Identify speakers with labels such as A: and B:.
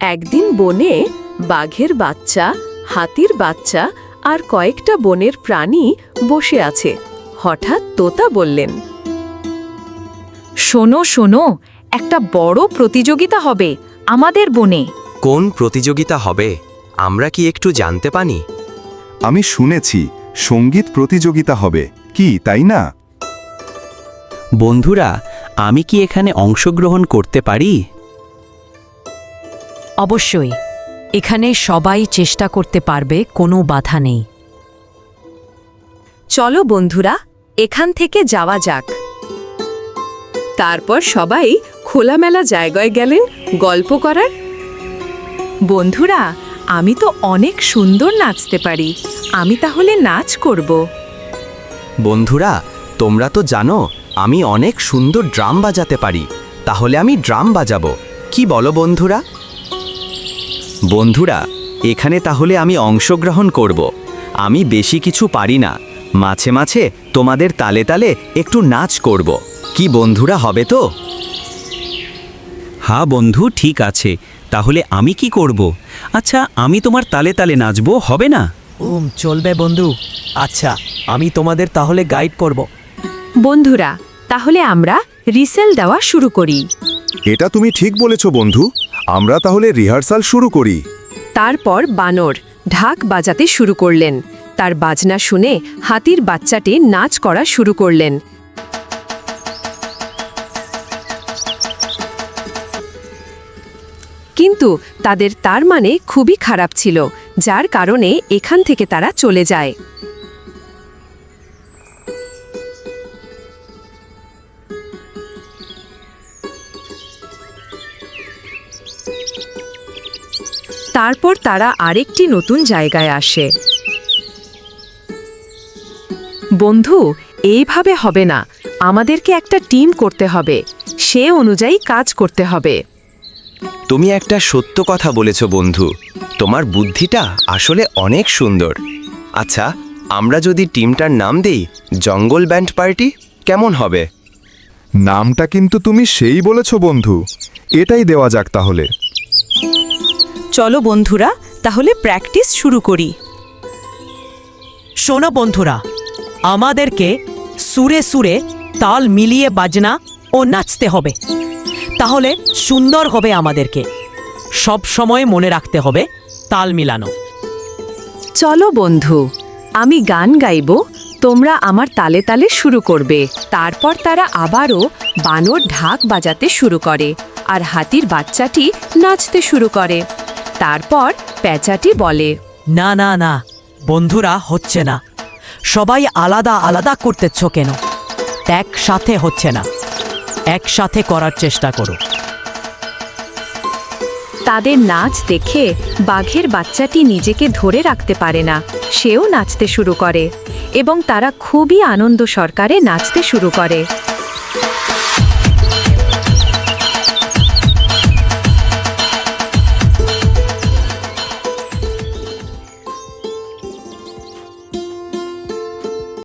A: একদিন বনে বাঘের বাচ্চা, হাতির বাচ্চা আর কয়েকটা বনের প্রাণী বসে আছে। হঠাৎ তোতা বললেন,
B: শোনো শোনো, একটা বড় প্রতিযোগিতা হবে আমাদের বনে।
C: কোন প্রতিযোগিতা হবে? আমরা কি একটু জানতে পারি?
D: আমি শুনেছি সঙ্গীত প্রতিযোগিতা হবে, কি তাই না?
E: বন্ধুরা, আমি কি এখানে অংশগ্রহণ করতে পারি?
B: অবশ্যই, এখানে সবাই চেষ্টা করতে পারবে, কোনো বাধা নেই।
A: চলো বন্ধুরা, এখান থেকে যাওয়া যাক। তারপর সবাই খোলামেলা জায়গায় গেলেন গল্প করার। বন্ধুরা, আমি তো অনেক সুন্দর নাচতে পারি, আমি তাহলে নাচ করব।
C: বন্ধুরা, তোমরা তো জানো আমি অনেক সুন্দর ড্রাম বাজাতে পারি, তাহলে আমি ড্রাম বাজাবো। কি বলো বন্ধুরা? বন্ধুরা, এখানে তাহলে আমি অংশগ্রহণ করব। আমি বেশি কিছু পারি না, মাঝে মাঝে তোমাদের তালে তালে একটু নাচ করব। কি বন্ধুরা, হবে তো?
E: হ্যাঁ বন্ধু, ঠিক আছে। তাহলে আমি কি করব? আচ্ছা, আমি তোমার তালে তালে নাচবো, হবে না?
F: চলবে বন্ধু। আচ্ছা, আমি তোমাদের তাহলে গাইড করব।
A: বন্ধুরা, তাহলে আমরা রিসেল দেওয়া শুরু করি।
D: এটা তুমি ঠিক বলেছ বন্ধু, আমরা তাহলে রিহার্সাল শুরু করি।
A: তারপর বানর ঢাক বাজাতে শুরু করলেন। তার বাজনা শুনে হাতির বাচ্চাটি নাচ করা শুরু করলেন। কিন্তু তাদের তার মানে খুবই খারাপ ছিল, যার কারণে এখান থেকে তারা চলে যায়। তারপর তারা আরেকটি নতুন জায়গায় আসে। বন্ধু, এইভাবে হবে না, আমাদেরকে একটা টিম করতে হবে, সে অনুযায়ী কাজ করতে হবে।
C: তুমি একটা সত্য কথা বলেছ বন্ধু, তোমার বুদ্ধিটা আসলে অনেক সুন্দর। আচ্ছা, আমরা যদি টিমটার নাম দেই জঙ্গল ব্যান্ড পার্টি, কেমন হবে?
D: নামটা কিন্তু তুমি সেই বলেছ বন্ধু, এটাই দেওয়া যাক তাহলে।
A: চলো বন্ধুরা, তাহলে প্র্যাকটিস শুরু করি।
F: শোনো বন্ধুরা, আমাদেরকে সুরে সুরে তাল মিলিয়ে বাজনা ও নাচতে হবে, তাহলে সুন্দর হবে। আমাদেরকে সব সময় মনে রাখতে হবে তাল মিলানো।
A: চলো বন্ধু, আমি গান গাইব, তোমরা আমার তালে তালে শুরু করবে। তারপর তারা আবারও বানর ঢাক বাজাতে শুরু করে আর হাতির বাচ্চাটি নাচতে শুরু করে। তারপর পেঁচাটি বলে,
F: না না না বন্ধুরা, হচ্ছে না। সবাই আলাদা আলাদা করতেছ কেন? একসাথে হচ্ছে না, একসাথে করার চেষ্টা করো।
A: তাদের নাচ দেখে বাঘের বাচ্চাটি নিজেকে ধরে রাখতে পারে না, সেও নাচতে শুরু করে এবং তারা খুবই আনন্দ সহকারে নাচতে শুরু করে।